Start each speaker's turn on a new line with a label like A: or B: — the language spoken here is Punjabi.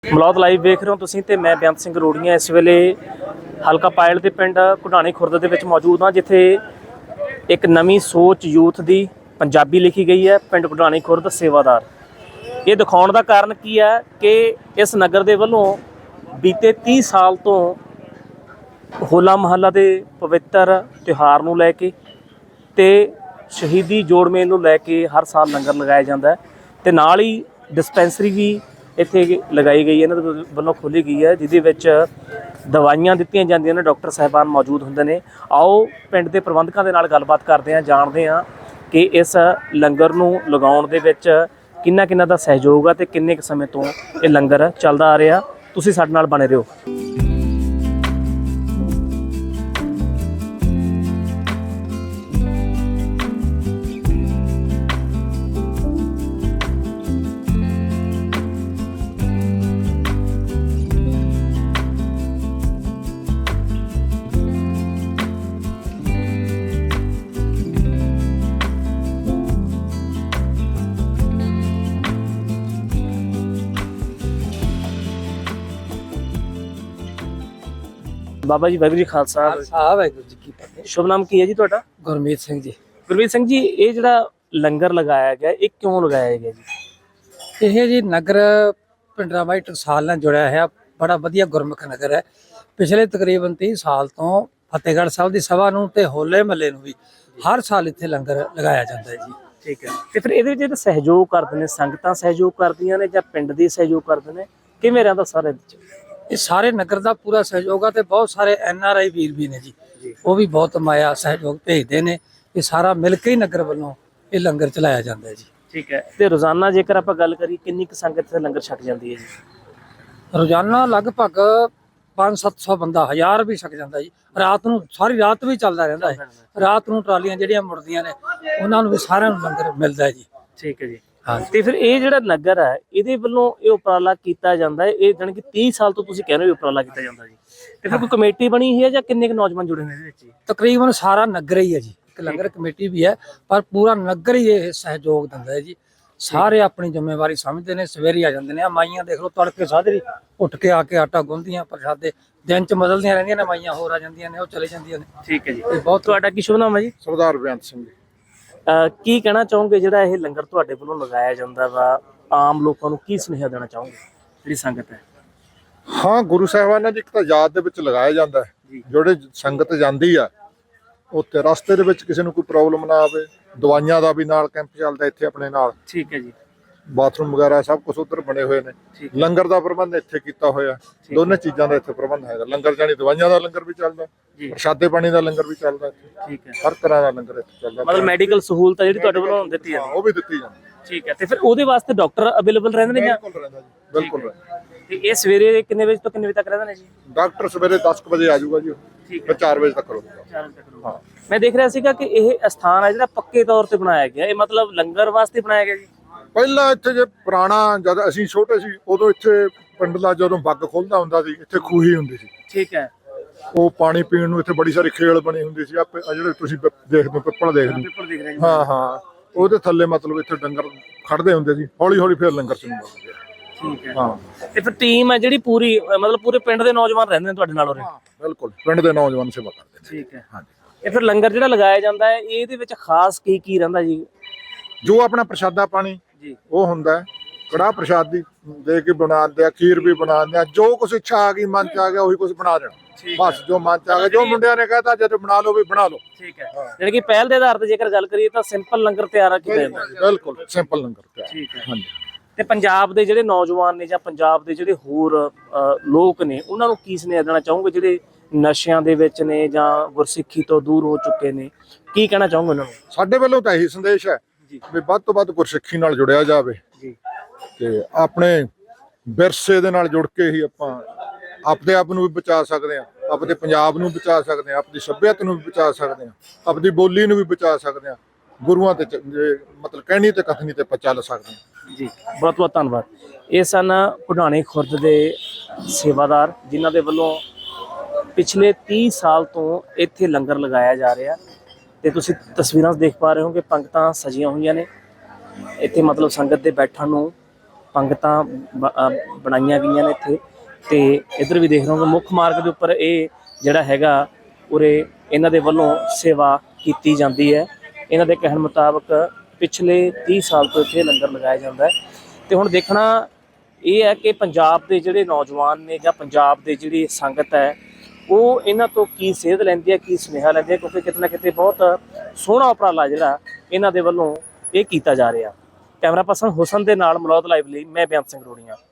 A: ਮਲੌਦ ਲਾਈਵ ਵੇਖ ਰਹੇ ਹੋ ਤੁਸੀਂ ਤੇ ਮੈਂ ਬੇਅੰਤ ਸਿੰਘ ਰੋੜੀਆਂ ਇਸ ਵੇਲੇ ਹਲਕਾ ਪਾਇਲ ਦੇ ਪਿੰਡ ਘੁਡਾਣੀ ਖੁਰਦ ਦੇ ਵਿੱਚ ਮੌਜੂਦ ਹਾਂ, ਜਿੱਥੇ ਇੱਕ ਨਵੀਂ ਸੋਚ ਯੂਥ ਦੀ ਪੰਜਾਬੀ ਲਿਖੀ ਗਈ ਹੈ। ਪਿੰਡ ਘੁਡਾਣੀ ਖੁਰਦ ਸੇਵਾਦਾਰ। ਇਹ ਦਿਖਾਉਣ ਦਾ ਕਾਰਨ ਕੀ ਹੈ ਕਿ ਇਸ ਨਗਰ ਦੇ ਵੱਲੋਂ ਬੀਤੇ 30 ਸਾਲ ਤੋਂ ਹੋਲਾ ਮਹੱਲਾ ਦੇ ਪਵਿੱਤਰ ਤਿਉਹਾਰ ਨੂੰ ਲੈ ਕੇ ਤੇ ਸ਼ਹੀਦੀ ਜੋੜ ਮੇਲ ਨੂੰ ਲੈ ਕੇ ਹਰ ਸਾਲ ਲੰਗਰ ਲਗਾਇਆ ਜਾਂਦਾ ਹੈ ਤੇ ਨਾਲ ਹੀ ਡਿਸਪੈਂਸਰੀ ਵੀ ਇੱਥੇ ਲਗਾਈ ਗਈ ਹੈ, ਇਹਨਾਂ ਦੇ ਵੱਲੋਂ ਖੋਲ੍ਹੀ ਗਈ ਹੈ, ਜਿਹਦੇ ਵਿੱਚ ਦਵਾਈਆਂ ਦਿੱਤੀਆਂ ਜਾਂਦੀਆਂ ਨੇ। ਡਾਕਟਰ ਸਾਹਿਬਾਨ ਮੌਜੂਦ ਹੁੰਦੇ ਨੇ। ਆਓ ਪਿੰਡ ਦੇ ਪ੍ਰਬੰਧਕਾਂ ਦੇ ਨਾਲ ਗੱਲਬਾਤ ਕਰਦੇ ਹਾਂ, ਜਾਣਦੇ ਹਾਂ ਕਿ ਇਸ ਲੰਗਰ ਨੂੰ ਲਗਾਉਣ ਦੇ ਵਿੱਚ ਕਿੰਨਾ ਦਾ ਸਹਿਯੋਗ ਆ ਤੇ ਕਿੰਨੇ ਕੁ ਸਮੇਂ ਤੋਂ ਇਹ ਲੰਗਰ ਚੱਲਦਾ ਆ ਰਿਹਾ। ਤੁਸੀਂ ਸਾਡੇ ਨਾਲ ਬਣੇ ਰਹੋ। ਬਾਬਾ ਜੀ ਵਾਹਿਗੁਰੂ ਜੀ ਖਾਲਸਾ
B: ਵਾਹਿਗੁਰੂ ਜੀ ਕੀ ਫਤਿਹ।
A: ਸ਼ੁਭ ਨਾਮ ਕੀ ਹੈ ਜੀ ਤੁਹਾਡਾ?
B: ਗੁਰਮੀਤ ਸਿੰਘ ਜੀ।
A: ਗੁਰਮੀਤ ਸਿੰਘ ਜੀ, ਇਹ ਜਿਹੜਾ ਲੰਗਰ ਲਗਾਇਆ ਗਿਆ ਇਹ ਕਿਉਂ ਲਗਾਇਆ ਗਿਆ ਜੀ?
B: ਇਹ ਜੀ ਨਗਰ ਪਿੰਡਰਾਵਾਈ ਟਕਸਾਲ ਨਾਲ ਜੁੜਿਆ ਹੈ। ਬੜਾ ਵਧੀਆ ਗੁਰਮੁਖ ਨਗਰ ਹੈ। ਪਿਛਲੇ ਤਕਰੀਬਨ 30 ਸਾਲ ਤੋਂ ਫਤਿਹਗੜ੍ਹ ਸਾਹਿਬ ਦੀ ਸਭਾ ਨੂੰ ਤੇ ਹੋਲੇ ਮਹੱਲੇ ਨੂੰ ਵੀ ਹਰ ਸਾਲ ਇੱਥੇ ਲੰਗਰ ਲਗਾਇਆ ਜਾਂਦਾ ਹੈ ਜੀ।
A: ਠੀਕ ਹੈ। ਤੇ ਫਿਰ ਇਹਦੇ ਵਿੱਚ ਜਿਹੜਾ ਸਹਿਯੋਗ ਕਰਦੇ ਨੇ, ਸੰਗਤਾਂ ਸਹਿਯੋਗ ਕਰਦੀਆਂ ਨੇ ਜਾਂ ਪਿੰਡ ਦੇ ਸਹਿਯੋਗ ਕਰਦੇ ਨੇ, ਕਿਵੇਂ ਰਹਿੰਦਾ ਸਾਰਾ ਇਹਦੇ ਵਿੱਚ?
B: ਇਹ ਸਾਰੇ ਨਗਰ ਦਾ ਪੂਰਾ ਸਹਿਯੋਗ ਆ ਤੇ ਬਹੁਤ ਸਾਰੇ NRI ਵੀਰ ਵੀ ਨੇ ਜੀ, ਉਹ ਵੀ ਬਹੁਤ ਮਾਇਆ ਸਹਿਯੋਗ ਭੇਜਦੇ ਨੇ। ਇਹ ਸਾਰਾ ਮਿਲ ਕੇ ਹੀ ਨਗਰ ਵੱਲੋਂ ਇਹ ਲੰਗਰ ਚਲਾਇਆ ਜਾਂਦਾ ਹੈ ਜੀ।
A: ਠੀਕ ਹੈ। ਤੇ ਰੋਜ਼ਾਨਾ ਜੇਕਰ ਆਪਾਂ ਗੱਲ ਕਰੀਏ ਕਿੰਨੀ ਕੁ ਸੰਗਤ ਇੱਥੇ ਲੰਗਰ ਛਕ ਜਾਂਦੀ ਹੈ ਜੀ?
B: ਰੋਜ਼ਾਨਾ ਲਗਭਗ 500-700 ਬੰਦਾ, 1000 ਵੀ ਛਕ ਜਾਂਦਾ ਜੀ। ਰਾਤ ਨੂੰ ਸਾਰੀ ਰਾਤ ਵੀ ਚੱਲਦਾ ਰਹਿੰਦਾ ਹੈ। ਰਾਤ ਨੂੰ ਟਰਾਲੀਆਂ ਜਿਹੜੀਆਂ ਮੁੜਦੀਆਂ ਨੇ ਉਹਨਾਂ ਨੂੰ ਵੀ ਸਾਰਿਆਂ ਨੂੰ ਲੰਗਰ ਮਿਲਦਾ ਹੈ ਜੀ।
A: ਠੀਕ ਹੈ ਜੀ।
B: ਹਾਂ।
A: ਤੇ ਫਿਰ ਇਹ ਜਿਹੜਾ ਨਗਰ ਹੈ ਇਹਦੇ ਵੱਲੋਂ ਇਹ ਉਪਰਾਲਾ ਕੀਤਾ ਜਾਂਦਾ ਹੈ, ਇਹ ਜਾਣੀ ਕਿ 30 ਸਾਲ ਤੋਂ ਤੁਸੀਂ ਕਹਿ ਰਹੇ ਹੋ ਉਪਰਾਲਾ ਕੀਤਾ ਜਾਂਦਾ ਜੀ। ਤੇ ਫਿਰ ਕੋਈ ਕਮੇਟੀ ਬਣੀ ਹੋਈ ਹੈ ਜਾਂ ਕਿੰਨੇ ਕੁ ਨੌਜਵਾਨ ਜੁੜੇ ਨੇ ਇਹਦੇ ਵਿੱਚ ਜੀ?
B: ਤਕਰੀਬਨ ਸਾਰਾ ਨਗਰ ਹੀ ਹੈ ਜੀ। ਇੱਕ ਲੰਗਰ ਕਮੇਟੀ ਵੀ ਹੈ ਪਰ ਪੂਰਾ ਨਗਰ ਹੀ ਇਹ ਸਹਿਯੋਗ ਦਿੰਦਾ ਹੈ ਜੀ। ਸਾਰੇ ਆਪਣੀ ਜ਼ਿੰਮੇਵਾਰੀ ਸਮਝਦੇ ਨੇ, ਸਵੇਰੇ ਆ ਜਾਂਦੇ ਨੇ। ਆ ਮਾਈਆਂ ਦੇਖ ਲਓ, ਤੜਕੇ ਸਾਜਰੀ ਉੱਠ ਕੇ ਆ ਕੇ ਆਟਾ ਗੁੰਨਦੀਆਂ, ਪ੍ਰਸ਼ਾਦੇ ਦਿਨ ਚ ਬਦਲਦੀਆਂ ਰਹਿੰਦੀਆਂ ਨੇ ਮਾਈਆਂ, ਹੋਰ ਆ ਜਾਂਦੀਆਂ ਨੇ, ਉਹ ਚਲੇ ਜਾਂਦੀਆਂ ਨੇ।
A: ਠੀਕ ਹੈ ਜੀ।
B: ਬਹੁਤ।
A: ਤੁਹਾਡਾ ਕੀ ਸ਼ੁਭ ਨਾਮ ਹੈ ਜੀ?
C: ਸਰਦਾਰ ਬੇਅੰਤ ਸਿੰਘ ਜੀ।
A: ਕੀ ਕਹਿਣਾ ਚਾਹੋਗੇ ਜਿਹੜਾ ਇਹ ਲੰਗਰ ਤੁਹਾਡੇ ਵੱਲੋਂ ਲਗਾਇਆ ਜਾਂਦਾ ਵਾ, ਆਮ ਲੋਕਾਂ ਨੂੰ ਕੀ ਸੁਨੇਹਾ ਦੇਣਾ ਚਾਹੋਗੇ ਜਿਹੜੀ ਸੰਗਤ ਹੈ?
C: ਹਾਂ, ਗੁਰੂ ਸਾਹਿਬਾਨਾਂ ਦੀ ਇੱਕ ਤਾਂ ਯਾਦ ਦੇ ਵਿੱਚ ਲਗਾਇਆ ਜਾਂਦਾ ਹੈ। ਜਿਹੜੇ ਸੰਗਤ ਜਾਂਦੀ ਆ ਉੱਥੇ ਰਸਤੇ ਦੇ ਵਿੱਚ ਕਿਸੇ ਨੂੰ ਕੋਈ ਪ੍ਰੋਬਲਮ ਨਾ ਆਵੇ। ਦਵਾਈਆਂ ਦਾ ਵੀ ਨਾਲ ਕੈਂਪ ਚੱਲਦਾ ਇੱਥੇ ਆਪਣੇ ਨਾਲ।
A: ਠੀਕ ਹੈ ਜੀ।
C: ਬਾਥਰੂਮ ਵਗੈਰਾ ਸਭ ਕੁਝ ਉੱਧਰ ਬਣੇ ਹੋਏ ਨੇ। ਲੰਗਰ ਦਾ ਪ੍ਰਬੰਧ ਇੱਥੇ ਕੀਤਾ ਹੋਇਆ। ਦੋਨੇ ਚੀਜ਼ਾਂ ਦਾ ਇੱਥੇ ਪ੍ਰਬੰਧ ਹੈਗਾ। ਲੰਗਰ ਜਾਨੀ ਦਵਾਈਆਂ ਦਾ ਲੰਗਰ ਵੀ ਚੱਲਦਾ, ਪ੍ਰਸ਼ਾਦੇ ਪਾਣੀ ਦਾ ਲੰਗਰ ਵੀ ਚੱਲਦਾ ਇੱਥੇ।
A: ਠੀਕ ਹੈ।
C: ਹਰ ਤਰ੍ਹਾਂ ਦਾ ਲੰਗਰ ਇੱਥੇ ਚੱਲਦਾ।
A: ਮਤਲਬ ਮੈਡੀਕਲ ਸਹੂਲਤ ਜਿਹੜੀ ਤੁਹਾਡੇ ਵੱਲੋਂ ਦਿੱਤੀ ਜਾਂਦੀ?
C: ਉਹ ਵੀ ਦਿੱਤੀ ਜਾਂਦੀ।
A: ਠੀਕ ਹੈ। ਤੇ ਫਿਰ ਉਹਦੇ ਵਾਸਤੇ ਡਾਕਟਰ ਅਵੇਲੇਬਲ ਰਹਿੰਦੇ ਨੇ ਜਾਂ?
C: ਬਿਲਕੁਲ ਰਹਿੰਦਾ ਜੀ, ਬਿਲਕੁਲ ਰਹਿੰਦਾ।
A: ਤੇ ਇਹ ਸਵੇਰੇ ਕਿੰਨੇ ਵਜੇ ਤੋਂ ਕਿੰਨੇ ਵਜੇ ਤੱਕ ਰਹਿੰਦੇ ਨੇ ਜੀ?
C: ਡਾਕਟਰ ਸਵੇਰੇ 10 ਵਜੇ ਆ ਜਾਊਗਾ ਜੀ।
A: ਠੀਕ
C: ਹੈ। 4 ਵਜੇ ਤੱਕ ਰਹੂਗਾ।
A: 4 ਵਜੇ ਤੱਕ ਰਹੂਗਾ। ਮੈਂ ਦੇਖ ਰਿਹਾ ਸੀਗਾ ਕਿ ਇਹ ਸਥਾਨ ਹੈ ਜਿਹੜਾ ਪੱਕੇ ਤੌਰ ਤੇ ਬਣਾਇਆ ਗਿਆ, ਇਹ ਮਤਲਬ ਲੰਗਰ ਵਾਸਤੇ ਬਣਾਇਆ ਗਿਆ ਜੀ?
C: ਪਹਿਲਾਂ ਇੱਥੇ ਜੇ ਪੁਰਾਣਾ, ਜਦ ਅਸੀਂ ਛੋਟੇ ਸੀ ਉਦੋਂ ਇੱਥੇ ਪਿੰਡ ਦਾ ਜਦੋਂ ਬੱਗ ਖੁੱਲਦਾ ਹੁੰਦਾ ਸੀ ਇੱਥੇ ਖੂਹੀ ਹੁੰਦੀ ਸੀ।
A: ਠੀਕ ਹੈ।
C: ਉਹ ਪਾਣੀ ਪੀਣ ਨੂੰ ਇੱਥੇ ਬੜੀ ਸਾਰੀ ਖੇਲ ਬਣੀ ਹੁੰਦੀ ਸੀ। ਆ ਜਿਹੜੇ ਤੁਸੀਂ ਦੇਖਦੇ ਹੋ ਪਿੱਪਲ ਦੇਖਦੇ ਹੋ, ਹਾਂ ਉਹਦੇ ਥੱਲੇ ਮਤਲਬ ਇੱਥੇ ਡੰਗਰ ਖੜਦੇ ਹੁੰਦੇ ਸੀ। ਹੌਲੀ ਹੌਲੀ ਫਿਰ ਲੰਗਰ ਸ਼ੁਰੂ ਹੋ ਗਿਆ।
A: ਠੀਕ ਹੈ।
C: ਹਾਂ।
A: ਤੇ ਫਿਰ ਟੀਮ ਹੈ ਜਿਹੜੀ ਪੂਰੀ, ਮਤਲਬ ਪੂਰੇ ਪਿੰਡ ਦੇ ਨੌਜਵਾਨ ਰਹਿੰਦੇ ਨੇ ਤੁਹਾਡੇ ਨਾਲ ਉਰੇ?
C: ਬਿਲਕੁਲ, ਪਿੰਡ ਦੇ ਨੌਜਵਾਨ ਸੇਵਾ ਕਰਦੇ ਨੇ।
A: ਠੀਕ ਹੈ।
C: ਹਾਂਜੀ।
A: ਇਹ ਫਿਰ ਲੰਗਰ ਜਿਹੜਾ ਲਗਾਇਆ ਜਾਂਦਾ ਹੈ ਇਹਦੇ ਵਿੱਚ ਖਾਸ ਕੀ ਰਹਿੰਦਾ ਜੀ?
C: ਜੋ ਆਪਣਾ ਪ੍ਰਸ਼ਾਦਾ ਪਾਣੀ
A: ਜੀ ਉਹ
C: ਹੁੰਦਾ ਹੈ। ਕੜਾਹ ਪ੍ਰਸ਼ਾਦੀ ਦੇ ਕੇ ਬਣਾਉਂਦੇ ਆ, ਖੀਰ ਵੀ ਬਣਾਉਂਦੇ ਆ। ਜੋ ਕੁਛ ਇੱਛਾ ਆ ਗਈ, ਮਨ ਚ ਆ ਗਿਆ ਉਹੀ ਕੁਛ ਬਣਾ ਦੇਣਾ। ਬਸ ਜੋ ਮਨ ਚ ਆ ਗਿਆ, ਜੋ ਮੁੰਡਿਆਂ ਨੇ ਕਹਿਤਾ ਜਦ ਬਣਾ ਲਓ ਵੀ ਬਣਾ ਲਓ।
A: ਠੀਕ ਹੈ। ਜਿਹੜੀ ਕਿ ਪਹਿਲ ਦੇ ਆਧਾਰ ਤੇ ਜੇਕਰ ਗੱਲ ਕਰੀਏ ਤਾਂ ਸਿੰਪਲ ਲੰਗਰ ਤਿਆਰ ਕੀਤਾ ਜਾਂਦਾ?
C: ਬਿਲਕੁਲ ਸਿੰਪਲ ਲੰਗਰ ਤਿਆਰ।
A: ਠੀਕ ਹੈ।
C: ਹਾਂਜੀ।
A: ਤੇ ਪੰਜਾਬ ਦੇ ਜਿਹੜੇ ਨੌਜਵਾਨ ਨੇ ਜਾਂ ਪੰਜਾਬ ਦੇ ਜਿਹੜੇ ਹੋਰ ਲੋਕ ਨੇ ਉਹਨਾਂ ਨੂੰ ਕੀ ਸੁਨੇਹਾ ਦੇਣਾ ਚਾਹੋਗੇ ਜਿਹੜੇ ਨਸ਼ਿਆਂ ਦੇ ਵਿੱਚ ਨੇ ਜਾਂ ਗੁਰਸਿੱਖੀ ਤੋਂ ਦੂਰ ਹੋ ਚੁੱਕੇ ਨੇ? ਕੀ ਕਹਿਣਾ ਚਾਹੋਗੇ ਉਹਨਾਂ ਨੂੰ?
C: ਸਾਡੇ ਵੱਲੋਂ ਤਾਂ ਇਹੀ ਸੰਦੇਸ਼ ਹੈ ਵੀ ਵੱਧ ਤੋਂ ਵੱਧ ਗੁਰਸਿੱਖੀ ਨਾਲ ਜੁੜਿਆ ਜਾਵੇ
A: ਜੀ
C: ਤੇ ਆਪਣੇ ਵਿਰਸੇ ਦੇ ਨਾਲ ਜੁੜ ਕੇ ਹੀ ਆਪਾਂ ਆਪਣੇ ਆਪ ਨੂੰ ਵੀ ਬਚਾ ਸਕਦੇ ਹਾਂ, ਆਪਣੇ ਪੰਜਾਬ ਨੂੰ ਬਚਾ ਸਕਦੇ ਹਾਂ, ਆਪਣੀ ਸੱਭਿਅਤਾ ਨੂੰ ਵੀ ਬਚਾ ਸਕਦੇ ਹਾਂ, ਆਪਣੀ ਬੋਲੀ ਨੂੰ ਵੀ ਬਚਾ ਸਕਦੇ ਹਾਂ। ਗੁਰੂਆਂ ਤੇ ਮਤਲਬ ਕਹਿਣੀ ਤੇ ਕਥਨੀ ਤੇ ਆਪਾਂ ਚੱਲ ਸਕਦੇ ਹਾਂ
A: ਜੀ। ਬਹੁਤ ਬਹੁਤ ਧੰਨਵਾਦ। ਇਹ ਸਨ ਘੁਡਾਣੀ ਖੁਰਦ ਦੇ ਸੇਵਾਦਾਰ ਜਿਨ੍ਹਾਂ ਦੇ ਵੱਲੋਂ ਪਿਛਲੇ 30 ਸਾਲ ਤੋਂ ਇੱਥੇ ਲੰਗਰ ਲਗਾਇਆ ਜਾ ਰਿਹਾ ਤੇ ਤੁਸੀਂ ਤਸਵੀਰਾਂ ਦੇਖ ਪਾ ਰਹੇ ਹੋ ਕਿ ਪੰਗਤਾਂ ਸਜੀਆਂ ਹੋਈਆਂ ਨੇ ਇੱਥੇ, ਮਤਲਬ ਸੰਗਤ ਦੇ ਬੈਠਣ ਨੂੰ ਪੰਗਤਾਂ ਬਣਾਈਆਂ ਗਈਆਂ ਨੇ ਇੱਥੇ। ਤੇ ਇੱਧਰ ਵੀ ਦੇਖ ਰਹੇ ਹੋ ਮੁੱਖ ਮਾਰਗ ਦੇ ਉੱਪਰ ਇਹ ਜਿਹੜਾ ਹੈਗਾ ਉਰੇ ਇਹਨਾਂ ਦੇ ਵੱਲੋਂ ਸੇਵਾ ਕੀਤੀ ਜਾਂਦੀ ਹੈ। ਇਹਨਾਂ ਦੇ ਕਹਿਣ ਮੁਤਾਬਕ ਪਿਛਲੇ 30 ਸਾਲ ਤੋਂ ਇੱਥੇ ਲੰਗਰ ਲਗਾਇਆ ਜਾਂਦਾ ਹੈ। ਤੇ ਹੁਣ ਦੇਖਣਾ ਇਹ ਹੈ ਕਿ ਪੰਜਾਬ ਦੇ ਜਿਹੜੇ ਨੌਜਵਾਨ ਨੇ ਜਾਂ ਪੰਜਾਬ ਦੇ ਜਿਹੜੀ ਸੰਗਤ ਹੈ ਉਹ ਇਹਨਾਂ ਤੋਂ ਕੀ ਸੇਧ ਲੈਂਦੀ ਹੈ, ਕੀ ਸੁਨੇਹਾ ਲੈਂਦੀ ਹੈ, ਕਿਉਂਕਿ ਕਿਤੇ ਨਾ ਕਿਤੇ ਬਹੁਤ ਸੋਹਣਾ ਉਪਰਾਲਾ ਜਿਹੜਾ ਇਹਨਾਂ ਦੇ ਵੱਲੋਂ ਇਹ ਕੀਤਾ ਜਾ ਰਿਹਾ। ਕੈਮਰਾ ਪਰਸਨ ਹੁਸਨ ਦੇ ਨਾਲ ਮਲੌਦ ਲਾਈਵ ਲਈ ਮੈਂ ਬੇਅੰਤ ਸਿੰਘ ਰੋੜੀਆਂ।